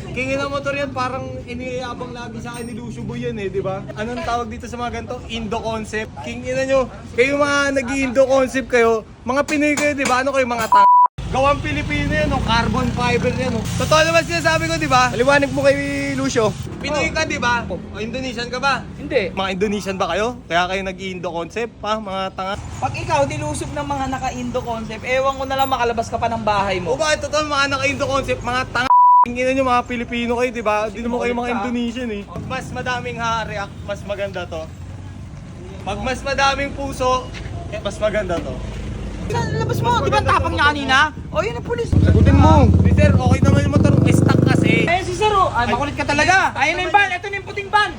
King ng motor yan, parang iniabang lagi sa akin ni Lucio Boy yan di ba? Anong tawag dito sa mga ganito? Indo concept. King ina nyo, kayo mga nag-Indo concept kayo, mga Pinoy kayo, di ba? Ano kayo mga gawang Pilipino yan, carbon fiber yan. Totoo naman sinasabi ko, di ba? Paliwanag mo kay Lucio. Pinoy ka, di ba? O Indonesian ka ba? Hindi. Mga Indonesian ba kayo? Kaya kayo nag-Indo concept, ha? Mga tanga. Pag ikaw nilusob ng mga naka-Indo concept, ewan ko na lang makalabas ka pa ng bahay O mo. bakit totoo mga naka-Indo concept, mga tanga? Tingnan nyo mga Pilipino kayo, di ba? Di naman kayo mga Indonesian Pag mas madaming react, mas maganda to. Pag mas madaming puso, mas maganda to. Labas mo, di ba tapang niya kanina? O yun ang pulis. Sagutin mo. Sir, okay naman yung motor, stock kasi. Eh si Sir, ay makulit ka talaga. Ayun na yung van, ito na yung puting van.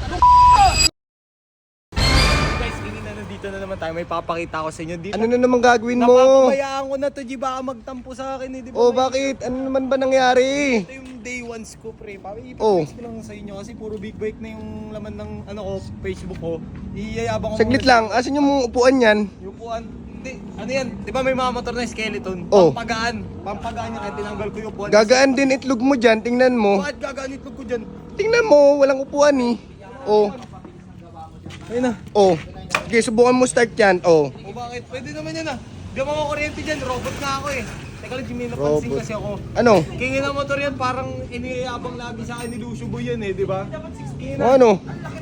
Guys, tingin na nandito na naman tayo, may papakita ko sa inyo. Dito, Ano na naman gagawin mo? napapabayaan ko na to, G, baka magtampo sa akin di ba? Oh, bakit? Ano naman ba nangyari? Ito yung day one scoop, pre. Oh. Ipapakita ko lang sa inyo kasi puro big bike na yung laman ng Facebook ko. Iyayabang ko Saglit muna- lang, asan yung upuan yan? Yung upuan. Hindi, ano yan? Di ba may mga motor na skeleton? Oh. Pampagaan. Pampagaan niya kaya tinanggal ko yung upuan. Gagaan din itlog mo dyan, tingnan mo. Bakit gagaan itlog ko dyan? Tingnan mo, walang upuan eh. Oh, Ayun na. oh. Okay, subukan mo start yan. Oh. O bakit? Pwede naman yan ah. Di ba makakuryente dyan? Robot nga ako eh. Teka lang, Jimmy, napansin Robot. kasi ako. Ano? King ng motor yan, parang iniabang lagi sa akin ni Lucio Boy yan di ba? King O ano?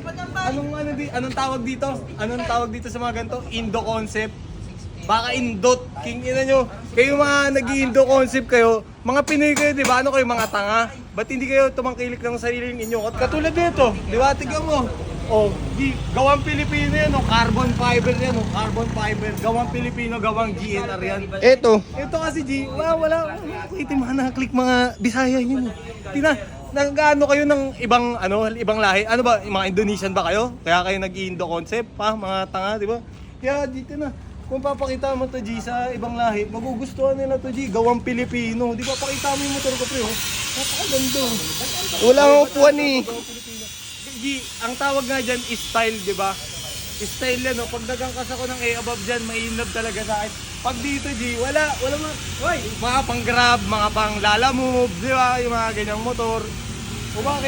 Anong tawag dito? Anong tawag dito sa mga ganito? Indo concept. Baka indot. King ina nyo. Kayo mga nag-Indo concept kayo, mga Pinoy kayo, di ba? Ano kayo, mga tanga? Ba't hindi kayo tumangkilik ng sariling inyo? At katulad nito, di ba? Tignan mo. Oh, gawang Pilipino yan, carbon fiber yan, carbon fiber. Gawang Pilipino, gawang GNR yan. Eto. Ito kasi G, wala. Ito mga nakaklik mga Bisaya yun. Tina, nag-ano kayo ng ibang lahi? Ano ba, mga Indonesian ba kayo? Kaya kayo nag-Indo concept, mga tanga, di ba? Kaya dito na. Kung papakita mo to G sa ibang lahi, magugustuhan nila to G, gawang Pilipino. Di ba pakita mo yung motor ko pre, napakaganda. Wala akong upuan eh. G, ang tawag nga dyan is style, di ba? Style yan, Pag nagangkas ako ng A above dyan, may in love talaga sa akin. Pag dito, G, wala mga pang grab, mga pang lala move, di ba? Yung mga ganyang motor. O bakit?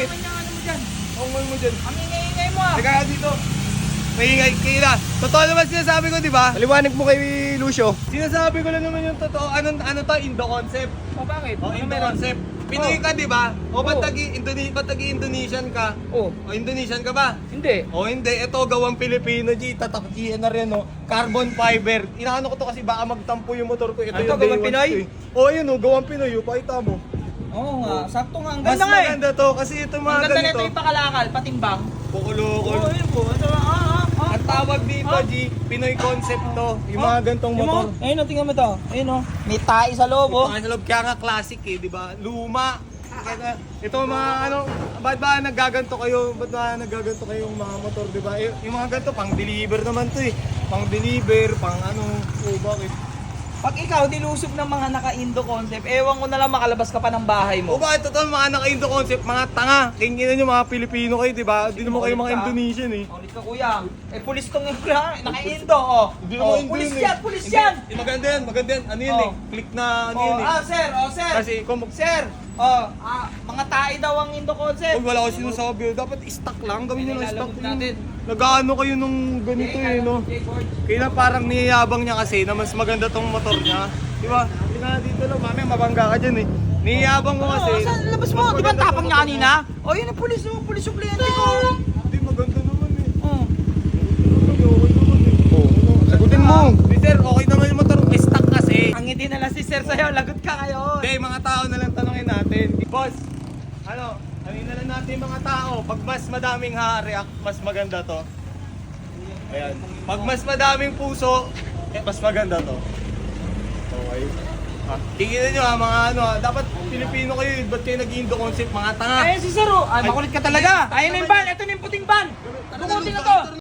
Ang mo dyan. Ang ingay-ingay mo ah. Teka dito. Maingay, kaya totoo naman sinasabi ko, di ba? Paliwanag mo kay Lucio. Sinasabi ko lang naman yung totoo. Ano to? Indo concept. O bakit? O, Indo concept. Pinoy ka, di ba? O, ba't Indonesian ka? Oh, O, Indonesian ka ba? hindi. O hindi, ito gawang Pilipino, G, tatak GNR yan, carbon fiber. Inaano ko to kasi baka magtampo yung motor ko. Ito Ano yung to, day gawang one Pinoy? ko, O ayun gawang Pinoy, pakita mo. Oo nga, sakto nga. Ang Mas ganda nga eh. maganda to kasi ito Ang mga ganda ganito. nito yung pakalakal, patimbang. Pukulukol. Oo, yun po. Ito, Ang tawag dito, G, Pinoy concept to. Yung mga gantong motor. Ayun o, tingnan mo to. Ayun o. May tae sa loob o. Sa loob, kaya nga classic di ba? Luma. Ito mga ba't ba naggaganto kayo? Ba't ba naggaganto kayong mga motor, di ba? Yung mga ganito, pang deliver naman to Pang deliver, bakit? Pag ikaw nilusob ng mga naka-Indo concept, ewan ko na lang makalabas ka pa ng bahay O mo. bakit totoo mga naka-Indo concept, mga tanga. Tingnan nyo mga Pilipino kayo, di ba? Di naman kayo mga Indonesian Ulit ka kuya. Eh, pulis tong naka-Indo o. Hindi naman Indo Pulis yun yan, pulis yan. Maganda yan. Ano yun Oh. Click na ano yun Sir, sir. Kasi kung Sir, mga tae daw ang Indo concept. wala ko sinasabi, dapat stock lang. Gawin nyo lang stock Nilalabog natin. Nag-ano kayo nung ganito no? Kaya parang niyayabang niya kasi na mas maganda tong motor niya. Di ba? Tingnan dito lang, mamaya mabangga ka dyan Niyayabang ko kasi. Labas mo, di ba ang tapang niya kanina? O, yun ang pulis mo, pulis suplente ko. Hindi, maganda naman Oh. Okay naman Oh. Sagutin mo. Sir, okay naman yung motor. Stock kasi. Ang ngiti na lang si Sir sa'yo, lagot ka ngayon. Hindi, mga tao na lang tanongin natin. Boss, tanongin na lang natin yung mga tao. Pag mas madaming react, mas maganda to. Ayan. Pag mas madaming puso, mas maganda to. Okay. Tingnan nyo mga dapat Pilipino kayo, ba't kayo nag-Indo concept, mga tanga? Ayun si Sir, ay makulit ka talaga. Ayun na yung van, ito na yung puting van. Bumuti na to.